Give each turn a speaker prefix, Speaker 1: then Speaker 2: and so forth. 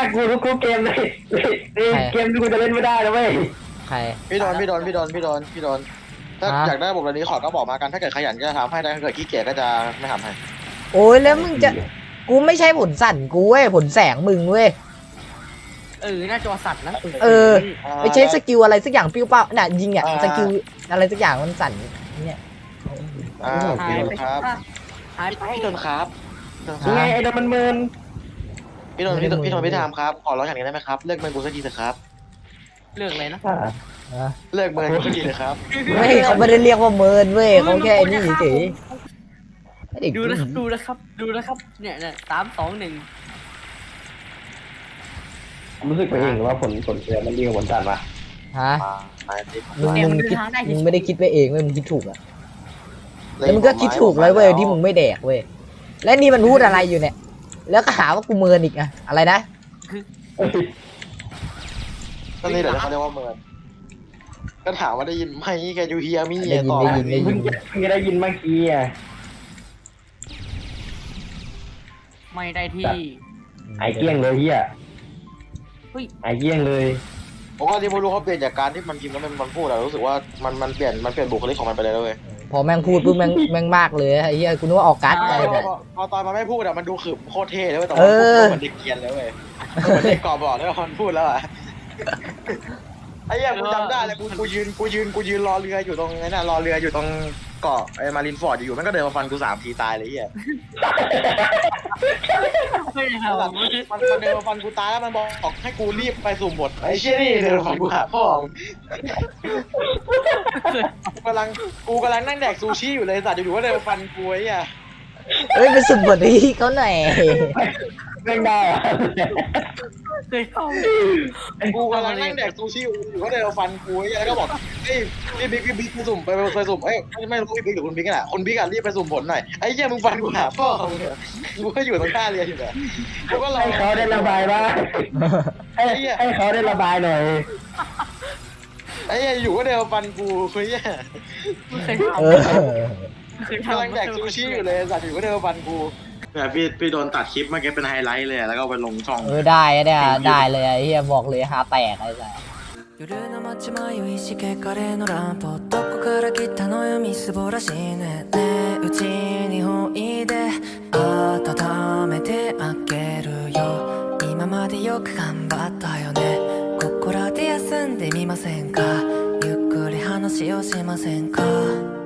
Speaker 1: กูทุกเกมเลยเกมที่กูจะเล่นไม่ได้แล้วเว้ย
Speaker 2: ใคร
Speaker 3: พี่โดนถ้าอยากได้ระบบแบบนี้ขอก็บอกมากันถ้าเกิดขยันก็จะทำให้ถ้าเกิดขี้เกียจก็จะไม่ทำให้
Speaker 2: โอ้ยแล้วมึงจะกูไม่ใช่ผลสั่นกูเว้ยผลแสงมึงเว้ย
Speaker 4: หน้าจอสั่นนะ
Speaker 2: ไม่ใช่สกิลอะไรสักอย่างปิ้วเป้าน่ะยิงอ่ะสกิลอะไรสักอย่างมันสั่นเนี่ย
Speaker 3: พี่โดนครับพี่โดนครับ
Speaker 1: ไงไอ้ดมันเมิน
Speaker 3: พี่โดนพี่ทามครับขอร้องอย่างนี้ได้ไหมครับเลิกเมินกูสักทีเถอะครับ
Speaker 4: เลือกเลยนะ
Speaker 3: เลิกเมินกูสักทีเถอะครับ
Speaker 2: ไม่เขาไม่ได้เรียกว่าเมินเว้ยเขาแค่นี้เฉย
Speaker 4: ดูนะครับเนี่ย3-2-1
Speaker 1: รู้สึกไปเองว่าผลเสียมันดีกว่าผลสั่นปะ
Speaker 2: ฮะมึงไม่ได้คิดไปเองเว้ยมึงคิดถูกอ่ะแล้วมึงก็คิดถูกเลยเว้ยที่มึงไม่แดกเว้ยและนี่มันพูดอะไรอยู่เนี่ยแล้วก็หาว่ากูเมินอีกอะอะไรนะ
Speaker 3: ก็นี่แหละเขาเรียกว่าเมินก็ถามว่าได้ยินไหมแกยูเฮียมี่ต่อ
Speaker 1: เพิ่งได้ยินเมื่อกี้อ่ะ
Speaker 4: ไม่ได้ที่
Speaker 1: ไอเกี้ยงเลยเฮียไอเกี้ยงเลย
Speaker 3: ผมว่าที่ไม่รู้เขาเปลี่ยนจากการที่มันพิมพ์แล้วมันพูดอะรู้สึกว่ามันเปลี่ยนบุคลิกของมันไปเลยแล้วเว้ย
Speaker 2: พอแม่งพูดปุ๊บแม่งมากเลยไอ้เหี้ยกูนึกว่าออกการ์ดอะไร
Speaker 3: เนี่ยพอตอนมันไม่พูดอะมันดูขึมโคตรเท่เลยเว้ยแต่ว่ามันเด็กเกียนเลยเว้ยมันเด็กกรอบบอกเลยว่ามันพูดแล้วอะไอ้เหี้ยกูจำได้เลยกูยืนรอเรืออยู่ตรงนั้นน่ะรอเรืออยู่ตรงเกาะไอ้มารินฟอร์ดอยู่มันก็เดินมาฟันกู3 ทีตายเลยเหี้ยมันเดินมาฟันกูตายแล้วมันบอกให้กูรีบไปสุ่มบทไอ้เชี่ยนี่เดินมาฟันกูหาพ่อกูกำลังนั่งแดกซูชิอยู่เลยสัตว์อยู่ๆก็เดินมาฟันกูไอ้เหี้ย
Speaker 2: เฮ้ยไปสุ่มบทนี้เขาหน่อย
Speaker 1: ไม่ได้
Speaker 3: กูกำลังนั่งแดกซูชิอยู่ก็เดินมาฟันกูไอ้เหี้ยแล้วก็บอกเฮ้ยบิ๊กไปสุ่มไปสุ่มเอ้ยไม่รู้พี่บิ๊กหรือคุณบิ๊กอะคุณบิ๊กอะรีบไปสุ่มผลหน่อยไอ้เหี้ยมึงฟันกูหาพ่อมึงกูก็อยู่ตรงท่าเรืออยู่เนี่ยกูก็รอ
Speaker 1: ให้เขาได้ระบายบ้างให้เขาได้ระบายหน่อย
Speaker 3: ไอ้เหี้ยอยู่ก็เดินมาฟันกูไอ้เหี้ยกำลังแดกซูชิอยู่เลยสัตว์อยู่ก็เดินมาฟันกูเนี่ยพี่โดนตัดคลิปเมื่อกี้เป็นไฮไลท์เลยแล้วก็ไปลงช่อง
Speaker 2: ได้เนี่ยได้เลยไอ้เหี้ยบอกเลยหาแตกไอ้สัส
Speaker 5: 夜の街迷いしけカレーのランプどこから来たのよみすぼらしいねねうちにおいで温めてあげるよ今までよく頑張ったよねここらで休んでみませんかゆっくり話をしませんか